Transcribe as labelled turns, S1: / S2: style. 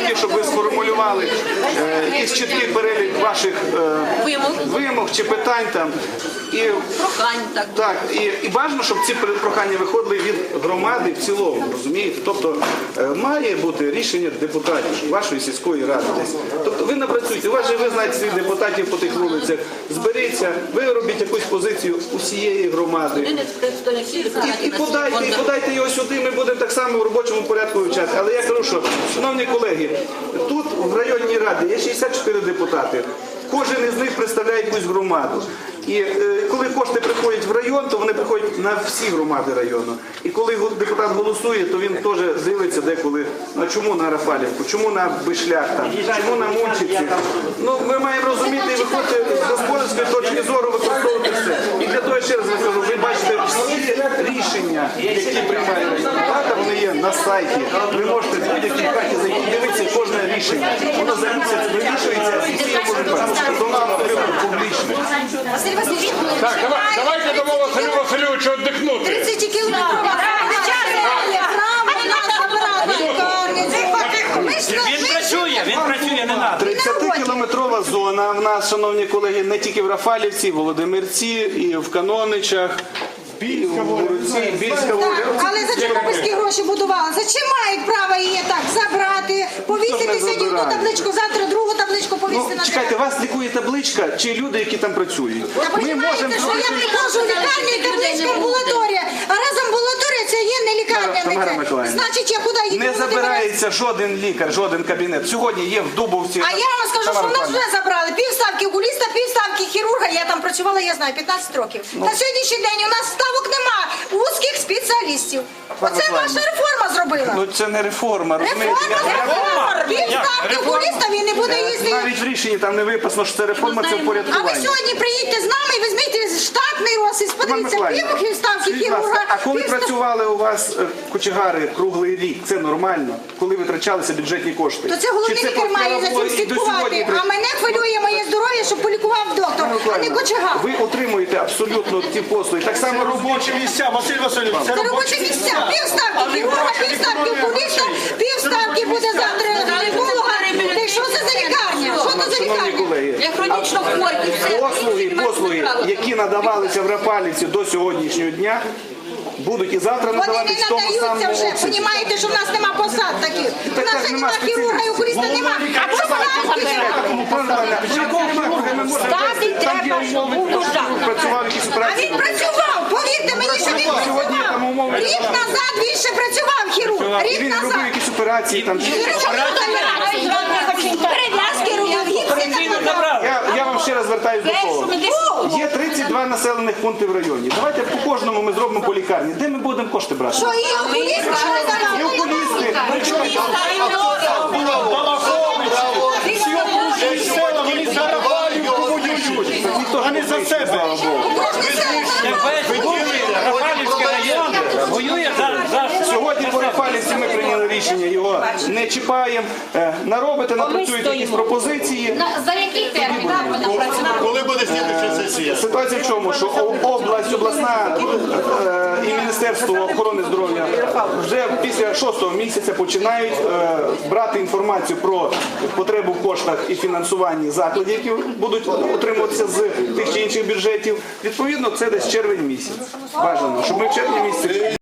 S1: тільки, щоб ви сформулювали якийсь чіткий перелік ваших вимог чи питань там. І бажано, щоб ці прохання виходили від громади в цілому, розумієте? Тобто має бути рішення депутатів вашої сільської ради десь. Тобто ви напрацюєте, ви знаєте своїх депутатів по тих вулицях, зберіться, ви робіть якусь позицію усієї громади. І подайте його сюди, ми будемо так само в робочому порядку вивчати. Але я кажу, що, шановні колеги, тут в районній раді є 64 депутати. Кожен із них представляє якусь громаду. І коли кошти приходять в район, то вони приходять на всі громади району. І коли депутат голосує, то він теж дивиться деколи, ну чому на Рафалівку, чому на Бишлях, там, чому на Мунчиці. Ну, ми маємо розуміти і виходити з господарської точки зору, використовувати все. І для того, ще раз кажу, ви бачите всі рішення, які приймає влада, вони є на сайті. Ви можете в будь-якій хаті зайти і дивитися кожне рішення. Воно за місяць вирішується і всі його можуть бачити. Тобто нам потрібно публічно.
S2: Так, давайте дамо Василю Васильовичу віддихнути.
S3: 30 кілометрів.
S4: Він працює, не надо.
S1: 30-кілометрова зона в нас, шановні колеги, не тільки в Рафалівці, і в Володимирці, і в Каноничах, і в Гуруці, Більська Воля.
S3: Але за чорнобильські гроші будували. За чим мають право її так забрати, повісити сьогодні одну табличку, завтра другу табличку повісити на
S1: Чекайте, вас лікує табличка чи люди, які там працюють?
S3: Ми можемо що я приходжу в лікарню і табличка амбулаторія, а раз амбулаторія це є не лікарня. Значить, я куди їду?
S1: Не забирається жоден лікар, жоден кабінет. Сьогодні є в Дубовці.
S3: А я вам скажу, що в нас вже забрали півставки окуліста, півставки хірурга. Я там працювала, я знаю, 15 років. На сьогоднішній день у нас ставок нема, вузьких спеціалістів. Оце ваша реформа зробила.
S1: Ну це не реформа, розумієте?
S3: Реформа! Півставки окуліста він не буде їздити.
S1: Навіть в рішенні там не виписано, що це реформа, це
S3: А ви
S1: впорядкування.
S3: сьогодні приїдьте з нами і візьміть штатний розпис, подивіться, півставки хірурга.
S1: А коли працювали у вас кочегари круглий рік, це нормально? Коли витрачалися бюджетні кошти?
S3: То це головний лікар має за цим слідкувати. А мене хвилює моє здоров'я, щоб полікував доктор, а не кочегар.
S1: Ви отримуєте абсолютно ті послуги. Так само робочі місця, Василь Васильович.
S3: Це робочі місця. Півставки хірурга, півставки окуліста, півставки буде завтра гінеколога. Та що це за лікарня? Що це за лікарня?
S4: Я хронічно хворий.
S1: Послуги, які надавалися в Рафалівці до сьогоднішнього дня, будуть і завтра
S3: Вони
S1: надаватись
S3: не
S1: в тому
S3: надаються
S1: самому
S3: вже.
S1: обсязі.
S3: Понімаєте, що в нас нема посад таких. У нас
S1: так нема
S3: ані хірурга і окуліста нема. А
S1: Працював якісь
S3: А
S1: операції.
S3: він працював, повірте мені, що він працював. Рік назад він ще працював хірург.
S1: І
S3: Рік
S1: він робив
S3: назад.
S1: якісь операції там.
S3: Перев'язки робив, гіпси накладав.
S1: Я вам ще раз звертаюся до того. Є 32 населених пункти в районі. Давайте по кожному ми зробимо по лікарні. Де ми будемо кошти брати?
S3: Що і окуліста,
S1: І окулісти.
S2: Вони за себе.
S4: Рафалівський район воює за...
S1: Сьогодні по Рафалівці ми прийняли рішення, його не чіпаємо. Наробите, напрацюєте якісь пропозиції.
S5: За який термін
S2: Коли буде слідча сесія?
S1: Ситуація в чому? Що обласна і Міністерство охорони здоров'я вже після 6-го місяця починають брати інформацію про потребу в коштах і фінансуванні закладів, які будуть отримуватися з тих чи інших бюджетів. Відповідно, це десь червень місяць. Бажано, щоб ми в червні місяці